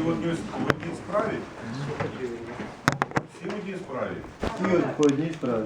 в одній справі? Всі в одній справі? Всі по одній справі.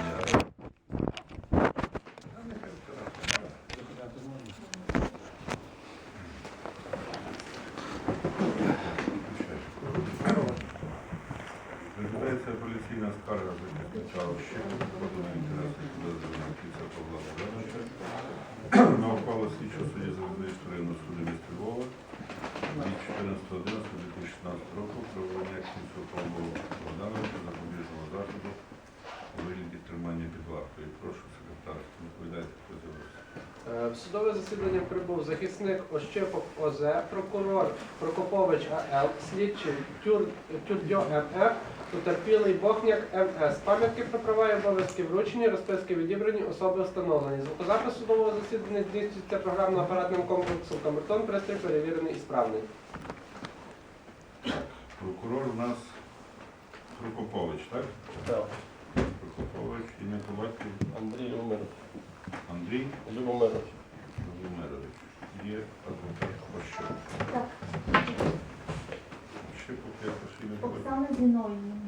Розглядається апеляційна скарга захисника Ощепи, подана інтереси підозрюваного Кіця Павла Богдановича на ухвалу слідчого судді Залізничного районного суду міста Львова від 14.11.2016 року про обрання Кіця Павла Богдановича запобіжного заходу у вигляді тримання під вартою. Прошу секретар, відповідайте, хто з'явився. В судове засідання прибув захисник Ощепок ОЗ, прокурор Прокопович АЛ, слідчий Тюрдьо МФ, потерпілий Бохняк МС. Пам'ятки про права і обов'язки вручені, розписки відібрані, особи встановлені. Звукозапис судового засідання здійснюється програмно-апаратним комплексом «Камертон», пристрій перевірений і справний. Прокурор у нас Прокопович, так? Так. Прокопович, ім'я по батькові? Андрій Любомирович. Андрій Любомирович. Любомирович. Є адвокат Ощепок. Так, Ощепок, я прошу ім'я по батькові. Оксана Зіновіївна.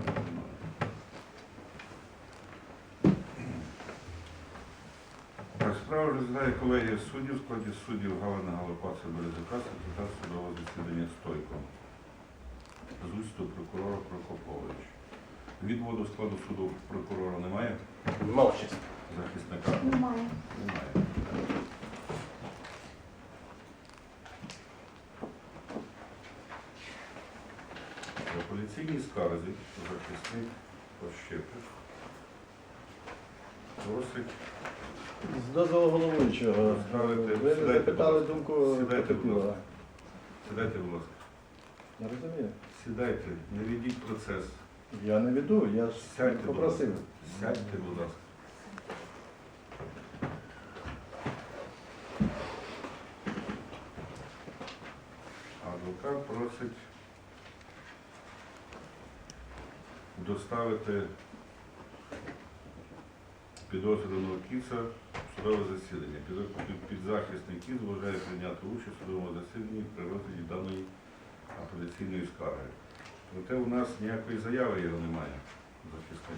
Так, справа розглядає колегія суддів, в складі суддів Галина Галопаца Березюка, секретар судового засідання Стойко. З участю прокурора Прокопович. Відводу складу суду прокурора немає? Мовчість. Захисника? Немає. Немає. В апеляційній скарзі захисник Ощепик просить З дозволу головуючого. Ви Сідайте, запитали будь ласка. думку Сідайте, будь потерпілого. ласка. Сідайте, будь ласка. Я розумію. Сідайте, не ведіть процес. Я не веду, я ж Сядьте, будь попросив. ласка. Сядьте, будь ласка. Адвокат просить доставити підозрюваного Кіца в судове засідання. Підзахисний Кіц вважає прийняти участь у судовому засіданні при розгляді даної апеляційної скарги. Проте у нас ніякої заяви його немає, захисник.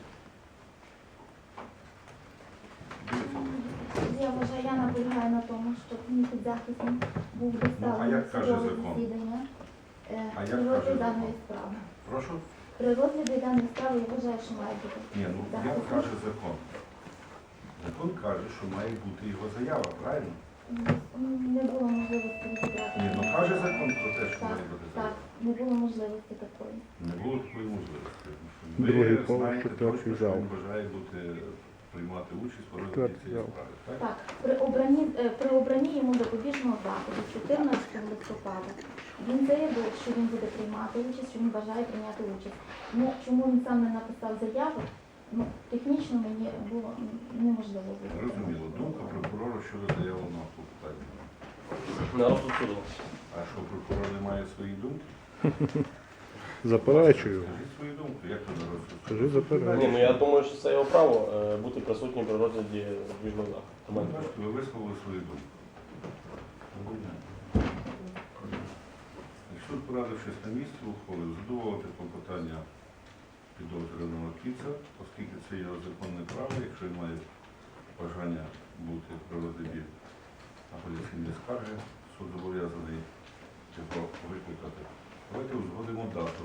Я вважаю, я наполягаю на тому, щоб мій підзахисник був Ну, а доставлений як в каже судове закон? засідання А як при каже розгляді закон? даної справи. Прошу? При розгляді даної справи я вважаю, що має бути Ні, ну як підзахисник. каже закон? Закон каже, що має бути його заява, правильно? Не було можливості розібрати. Ні, ну каже закон про те, що Так, має бути так, заява. не було можливості такої. Не було такої можливості. Другий Ви поверх, знаєте четвертий точно, що зал. він бажає приймати участь у розгляді Четвертий цієї зал. справи. Так? Так, при обранні йому запобіжного заходу 14 листопада він заявив, що він буде приймати участь, що він бажає прийняти участь. Ну, чому він сам не написав заяву, ну, технічно мені було неможливо зробити. Зрозуміло. Думка прокурора щодо заявленого клопотання. На розсуд суду. А що прокурор не має свої думки? Заперечую. Скажіть свою думку, як ви зараз? Скажи, заперечую. Ні, ну я думаю, що це його право бути присутнім при розгляді збіжного заходу. Бачите, ви висловили свою думку. Суд, порадившись на місці, ухвалив задоволити клопотання підозрюваного Кіца, оскільки це його законне право, якщо він має бажання бути при розгляді апеляційної скарги, суд зобов'язаний його викликати. Давайте узгодимо дату,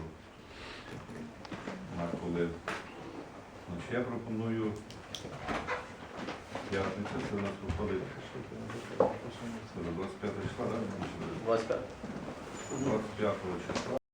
на коли. Значить, я пропоную п'ятниця, це у нас виходить 25 числа, так? 25. 25 числа.